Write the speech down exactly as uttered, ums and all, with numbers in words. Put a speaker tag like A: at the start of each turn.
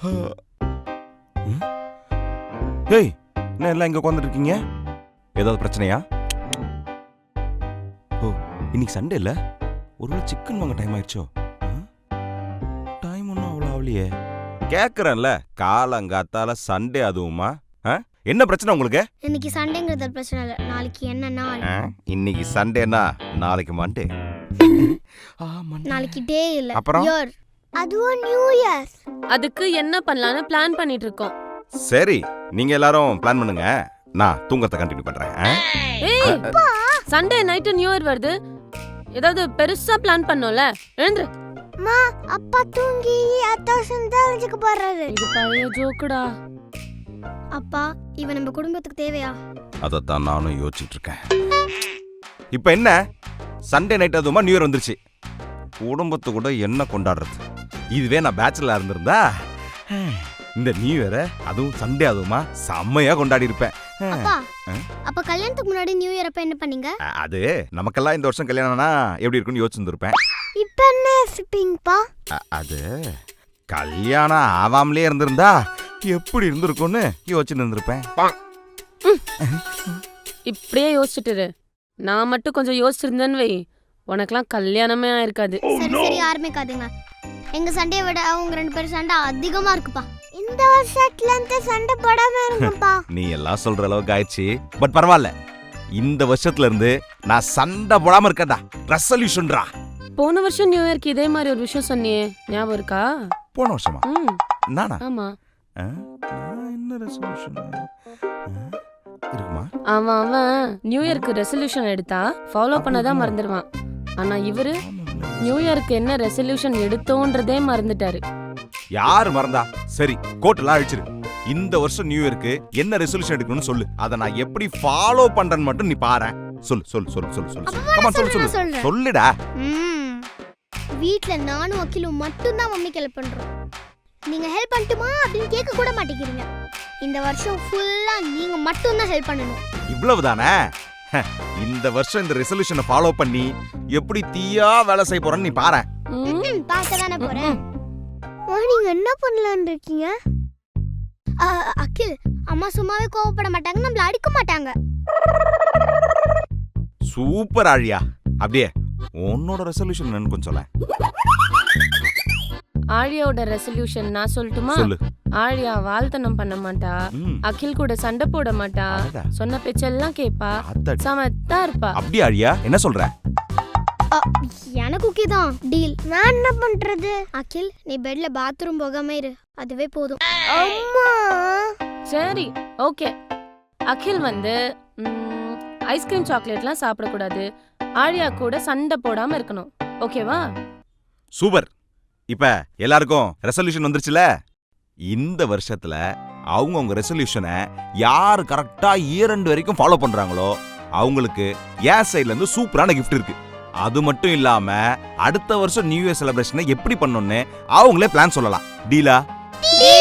A: ஏய், என்ன எல்லாம் இங்க உட்காந்துட்டு இருக்கீங்க? ஏதாவது பிரச்சனையா? ஓ, இன்னைக்கு சண்டே இல்ல, ஒருவேளை சிக்கன் வாங்க டைம் ஆயிடுச்சோ? டைம் ஒன்றும் அவ்வளோ ஆகலையே. கேட்குறேன்ல, காலங்காத்தால சண்டே அதுவுமா? என்ன பிரச்சனை உங்களுக்கு?
B: இன்னைக்கு சண்டேங்கிறது பிரச்சனை இல்லை, நாளைக்கு என்ன நாள்?
A: இன்னைக்கு சண்டேனா நாளைக்கு மண்டே.
B: நாளைக்கு டே இல்ல,
A: அப்புறம்
B: இயர். அதுவும் நியூ இயர்.
C: அதுக்கு என்ன பண்ணலாம்னு பிளான் பண்ணிட்டு இருக்கோம்.
A: சரி, நீங்க எல்லாரும் பிளான் பண்ணுங்க, நான் தூங்கத்தை கண்டினியூ பண்றேன்.
C: ஏய், சண்டே நைட் நியூ இயர் வருது, ஏதாவது பெருசா பிளான் பண்ணோம்ல, எழுந்துரு.
B: மா, அப்பா தூங்கி அத்தாசன் தெரிஞ்சுக்க போறாரு.
C: இது பழைய ஜோக்குடா.
B: அப்பா, இவன் நம்ம குடும்பத்துக்கு தேவையா?
A: அதைத்தான் நானும் யோசிச்சுட்டு இருக்கேன். இப்ப என்ன, சண்டே நைட் அதுமா நியூ இயர் வந்துருச்சு, குடும்பத்து கூட என்ன கொண்டாடுறது? இதுவே நான் பேச்சுலரா இருந்திருந்தா இந்த நியூ இயரை அதுவும் சண்டே அதுவுமா செம்மையா கொண்டாடி இருப்பேன்.
B: அப்பா, அப்ப கல்யாணத்துக்கு முன்னாடி நியூ இயர் அப்ப என்ன பண்ணீங்க?
A: அது நமக்கெல்லாம் இந்த வருஷம் கல்யாணம்னா எப்படி இருக்குன்னு யோசிச்சுருப்பேன்.
B: இப்ப என்ன யோசிப்பீங்கப்பா?
A: அது கல்யாணம் ஆவாமலே இருந்திருந்தா எப்படி இருந்திருக்கும்னு யோசிச்சு இருந்திருப்பேன்.
C: இப்படியே யோசிச்சுட்டு நான் மட்டும் கொஞ்சம் யோசிச்சிருந்தேன்னு வை, உனக்கெல்லாம் கல்யாணமே ஆயிருக்காது.
B: சரி சரி, ஆரம்பிக்காதுங்க. எங்க சண்டையை விட அவங்க ரெண்டு பேரும் சண்டை அதிகமா இருக்குப்பா. இந்த வருஷத்துல இருந்து சண்டை போடாம இருக்குப்பா.
A: நீ எல்லாம் சொல்ற அளவுக்கு ஆயிடுச்சு, பட் பரவாயில்ல, இந்த வருஷத்துல இருந்து நான் சண்டை போடாம இருக்கடா. ரெசல்யூஷன்டா.
C: போன வருஷம் நியூ இயர்க்கு இதே மாதிரி ஒரு விஷயம் சொன்னியே, ஞாபகம் இருக்கா?
A: போன வருஷமா?
C: ம்,
A: நானா?
C: ஆமா.
A: என்ன ரெசல்யூஷன் இருக்குமா?
C: அவன் அவன் நியூ இயர்க்கு ரெசல்யூஷன் எடுத்தா ஃபாலோ பண்ணதான் மறந்துடுவான். ஆனா இவரு நியூ இயர்க்கு என்ன ரெசல்யூஷன் எடுத்தோன்றதே மறந்துட்டாரு.
A: யாரு மறந்தா? சரி, கோட்டெல்லாம் அழிச்சிரு. இந்த வருஷம் நியூ இயர்க்கு என்ன ரெசல்யூஷன் எடுக்கணும்னு சொல்லு, அதை நான் எப்படி ஃபாலோ பண்றேன்னு மட்டும் நீ பாரு. சொல்லு சொல்லு சொல்லு சொல்லு சொல்லு கமான் சொல்லு சொல்லு சொல்லுடா.
B: வீட்ல நானும் அகிலும் மட்டும் தான் மம்மிக்கு ஹெல்ப் பண்றோம். நீங்க ஹெல்ப் பண்ணட்டுமா அப்படின்னு கேட்க கூட மாட்டேங்கிறீங்க. இந்த வருஷம் ஃபுல்லா நீங்க மட்டும் தான் ஹெல்ப் பண்ணணும்.
A: இவ்வளவுதானே? இந்த வருஷம் இந்த ரெசல்யூஷனை ஃபாலோ பண்ணி எப்படி தீயா வேலை செய்ய போறேன்னு நீ பாரு.
B: பார்க்க தானே போறேன். நீங்க என்ன பண்ணலாம்னு இருக்கீங்க? அகில், அம்மா சும்மாவே கோவப்பட மாட்டாங்க, நம்மள அடிக்க மாட்டாங்க.
A: சூப்பர் ஆழியா. அப்படியே உன்னோட ரெசல்யூஷன் என்னன்னு கொஞ்சம் சொல்ல.
C: ஆழியாவோட ரெசல்யூஷன் நான் சொல்லட்டுமா?
A: சொல்லு.
C: ஆழியா வாழ்த்தனம் பண்ண மாட்டா, அகில் கூட சண்டை போட மாட்டா, சொன்ன பேச்செல்லாம் கேப்பா, சமத்தா இருப்பா.
A: அப்படி ஆழியா என்ன சொல்ற?
B: எனக்கு ஓகே தான், டீல். நான் என்ன பண்றது? அகில், நீ பெட்ல பாத்ரூம் போகாம இரு, அதுவே போதும். அம்மா.
C: சரி, ஓகே. அகில் வந்து ஐஸ்கிரீம் சாக்லேட்லாம் சாப்பிடக்கூடாது, ஆழியா கூட சண்டை போடாம இருக்கணும், ஓகேவா?
A: சூப்பர். இப்ப எல்லாருக்கும் ரெசல்யூஷன் வந்துருச்சுல. இந்த வருஷத்துல அவங்க உங்க ரெசல்யூஷனை யாரு கரெக்டா இரண்டு வரைக்கும் ஃபாலோ பண்றாங்களோ அவங்களுக்கு என் சைட்ல இருந்து சூப்பரான கிஃப்ட் இருக்கு. அது மட்டும் இல்லாம அடுத்த வருஷம் நியூ இயர் செலிப்ரேஷனை எப்படி பண்ணணும்னு அவங்களே பிளான் சொல்லலாம். டீலா?